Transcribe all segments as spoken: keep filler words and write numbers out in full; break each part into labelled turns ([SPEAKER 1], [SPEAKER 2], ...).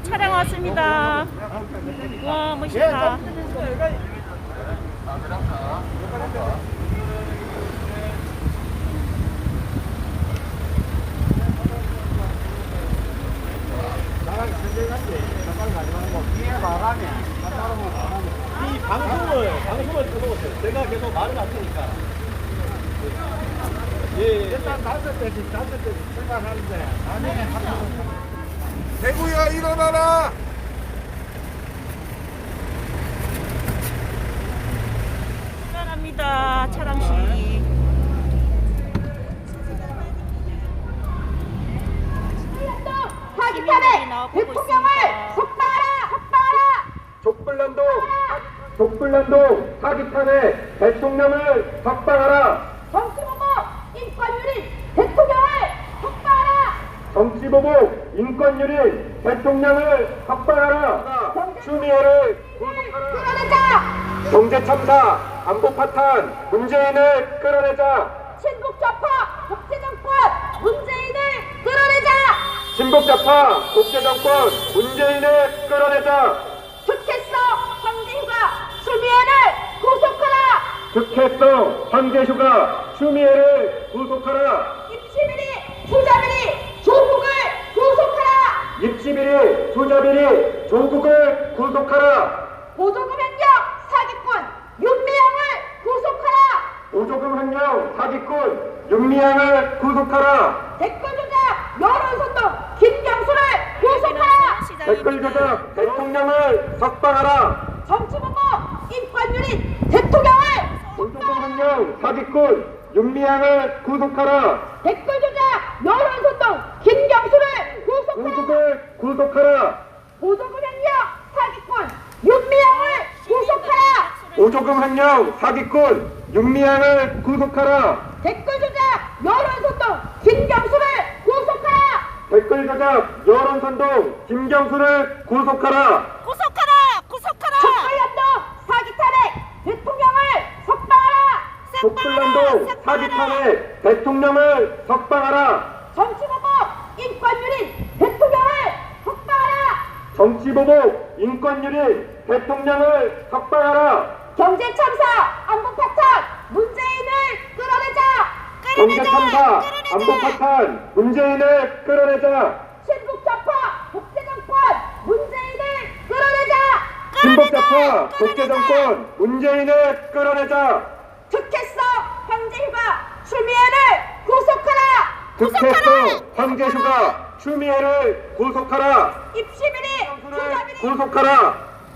[SPEAKER 1] 차량 왔습니다. 와, 멋있다.
[SPEAKER 2] 이 방송을 방송을 들어보세요. 제가 계속 말을 안 하니까. 예,
[SPEAKER 3] 일단 다섯 대씩 다섯 대씩 출발하는데 나중에
[SPEAKER 4] 대구야 일어나라.
[SPEAKER 1] 출발합니다. 차량식.
[SPEAKER 5] 사기탄에 대통령을 석방하라! 석방하라!
[SPEAKER 6] 족불난동 족불난동 사기탄에 대통령을 석방하라.
[SPEAKER 5] 정치보복 인권유린 대통령을 석방하라!
[SPEAKER 6] 정치보복 인권유린 대통령을 석방하라. 추미애를 구속하라.
[SPEAKER 5] 끌어내자!
[SPEAKER 6] 경제참사 안보파탄 문재인을 끌어내자.
[SPEAKER 5] 친북좌파 독재정권 문재인을 끌어내자!
[SPEAKER 6] 친북좌파 독재정권 문재인을 끌어내자.
[SPEAKER 5] 특혜성 황제휴가 추미애를 구속하라!
[SPEAKER 6] 특혜성 황제휴가 추미애를 구속하라.
[SPEAKER 5] 입시비리 투자비리 조국을 구속하라!
[SPEAKER 6] 입시비리 투자비리 조국을 구속하라.
[SPEAKER 5] 보조금 횡령 사기꾼 윤미향을 구속하라!
[SPEAKER 6] 보조금 횡령 사기꾼 윤미향을 구속하라.
[SPEAKER 5] 댓글 조작 여론선동 김경수를 구속하라!
[SPEAKER 6] 댓글 조작 대통령을 석방하라.
[SPEAKER 5] 정치보복 인권유린 대통령을
[SPEAKER 6] 보조금 횡령 사기꾼 윤미향을 구속하라.
[SPEAKER 5] 댓글 조작 여론선동 김경수를 구속하라!
[SPEAKER 6] 조국을 구속하라.
[SPEAKER 5] 보조금 횡령 사기꾼 윤미향을 구속하라!
[SPEAKER 6] 보조금 횡령 사기꾼 윤미향을 구속하라.
[SPEAKER 5] 댓글 조작 여론선동 김경수를 구속하라!
[SPEAKER 6] 댓글 조작 여론선동 김경수를 구속하라.
[SPEAKER 1] 구속하라! 구속하라!
[SPEAKER 5] 촛불연동 사기 탄핵 대통령을 석방하라!
[SPEAKER 6] 족불난동 사기 탄핵 대통령을 석방하라.
[SPEAKER 5] 정치보복 인권유린 대통령을 석방하라!
[SPEAKER 6] 정치보복 인권유린 대통령을 석방하라.
[SPEAKER 5] 경제참사 안보파탄 문재인을 끌어내자!
[SPEAKER 6] 경제참사 안보파탄 문재인을 끌어내자.
[SPEAKER 5] 친북좌파 독재정권 문재인을 끌어내자!
[SPEAKER 6] 친북좌파 독재정권 문재인을 끌어내자.
[SPEAKER 5] 특혜성 황제휴가 추미애를 구속하라!
[SPEAKER 6] 특혜성 황제휴가 추미애를 구속하라.
[SPEAKER 5] 입시비리 투자비리
[SPEAKER 6] 구속하라.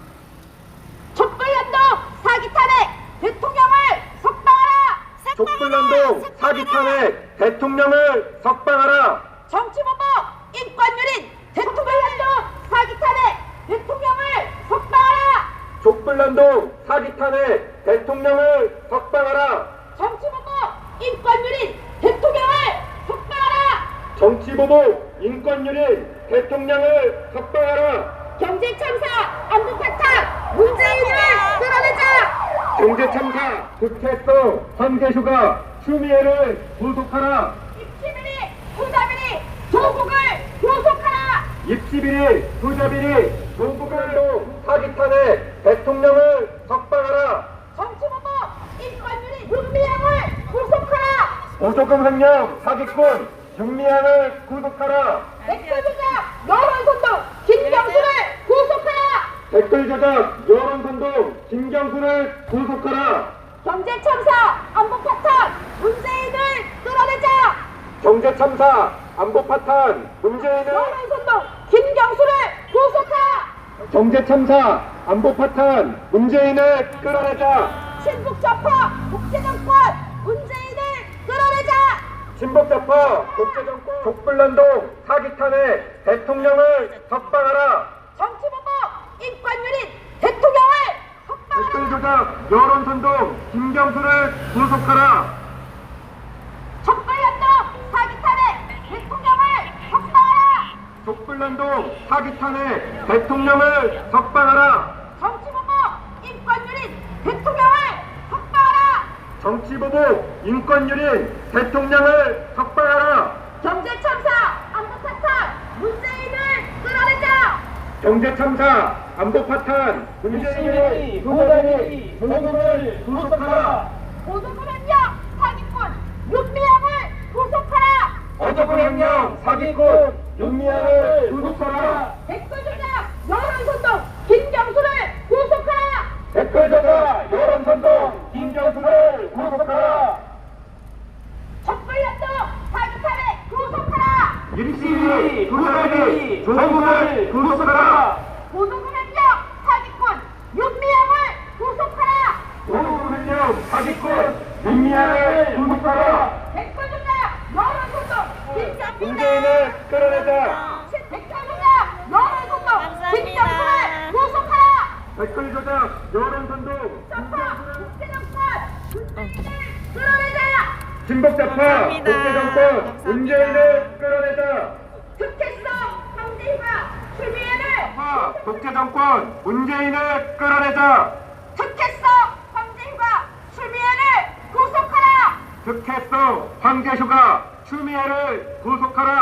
[SPEAKER 5] 촛불연동 사기 탄핵 대통령을 석방하라!
[SPEAKER 6] 족불난동 사기 탄핵 대통령을 석방하라.
[SPEAKER 5] 정치보복 인권유린 대통령연동 사기 탄핵 대통령을 석방하라!
[SPEAKER 6] 족불난동 사기 탄핵 대통령을 석방하라.
[SPEAKER 5] 정치보복 인권유린 대통령을 석방하라!
[SPEAKER 6] 정치보복 인권유린 대통령을 석방하라.
[SPEAKER 5] 경제참사 안보파탄 문재인을 끌어내자!
[SPEAKER 6] 경제참사 특혜성 황제휴가 추미애를 구속하라.
[SPEAKER 5] 입시비리 투자비리 조국을 구속하라!
[SPEAKER 6] 입시비리 투자비리 조국을 사기 탄핵 대통령을 석방하라.
[SPEAKER 5] 정치보복 인권유린 윤미향을 구속하라!
[SPEAKER 6] 보조금 횡령 사기꾼 윤미향을 구속하라.
[SPEAKER 5] 댓글 조작 여론선동 김경수를 구속하라!
[SPEAKER 6] 댓글 조작 여론선동 김경수를 구속하라.
[SPEAKER 5] 경제참사 안보파탄 문재인을 끌어내자!
[SPEAKER 6] 경제참사 안보파탄 문재인을
[SPEAKER 5] 여론선동 김경수를 구속하라!
[SPEAKER 6] 경제참사 안보파탄 문재인을 끌어내자.
[SPEAKER 5] 친북좌파 독재정권 문재인을 끌어내자!
[SPEAKER 6] 친북좌파 독재정권 족불난동 사기 탄핵 대통령을 석방하라.
[SPEAKER 5] 정치보복 인권유린 대통령을 석방하라!
[SPEAKER 6] 댓글 조작 여론선동 김경수를 구속하라.
[SPEAKER 5] 촛불연동 사기 탄핵 대통령을 석방하라!
[SPEAKER 6] 족불난동 사기 탄핵 대통령을 석방하라.
[SPEAKER 5] 정치보복 인권유린 대통령을 석방하라!
[SPEAKER 6] 정치보복 인권유린 대통령을 석방하라.
[SPEAKER 5] 경제참사 안보파탄 문재인을 끌어내자!
[SPEAKER 6] 경제 참사, 안보 파탄, 문재인의 부모단이 조국을 구속하라.
[SPEAKER 5] 고소불행령 사기꾼 윤미향을 구속하라.
[SPEAKER 6] 어저불행령 사기꾼 윤미향을 구속하라.
[SPEAKER 5] 댓글 조작 여론소동 김경수를 구속하라.
[SPEAKER 6] 댓글 저자 여론선동 김경수를 구속하라.
[SPEAKER 5] 촛불연동 사기탄을 구속하라.
[SPEAKER 6] 일시위 부사기 조국을 구속하라.
[SPEAKER 5] 고소불행령 사기꾼 윤미향을 구속하라.
[SPEAKER 6] 조국은령 사기꾼 윤미향을 구속하라.
[SPEAKER 5] 댓글 조작 여론소동 김경수를
[SPEAKER 6] 문재인을 끌어내자.
[SPEAKER 5] 댓글 조작 여론소동 김경수를
[SPEAKER 1] 감사합니다.
[SPEAKER 5] 구속하라.
[SPEAKER 6] 댓글 저자 여론선동
[SPEAKER 5] 좌파 국제정권 문재인을 끌어내자.
[SPEAKER 6] 친북좌파
[SPEAKER 1] 감사합니다.
[SPEAKER 6] 국제정권
[SPEAKER 1] 감사합니다.
[SPEAKER 6] 문재인을 끌어내자.
[SPEAKER 5] 특혜성 황제희가 추미애를
[SPEAKER 6] 좌파 국제정권 문재인을 끌어내자.
[SPEAKER 5] 특혜성 황제희가 추미애를 구속하라.
[SPEAKER 6] 특혜성 황제휴가 추미애를 구속하라.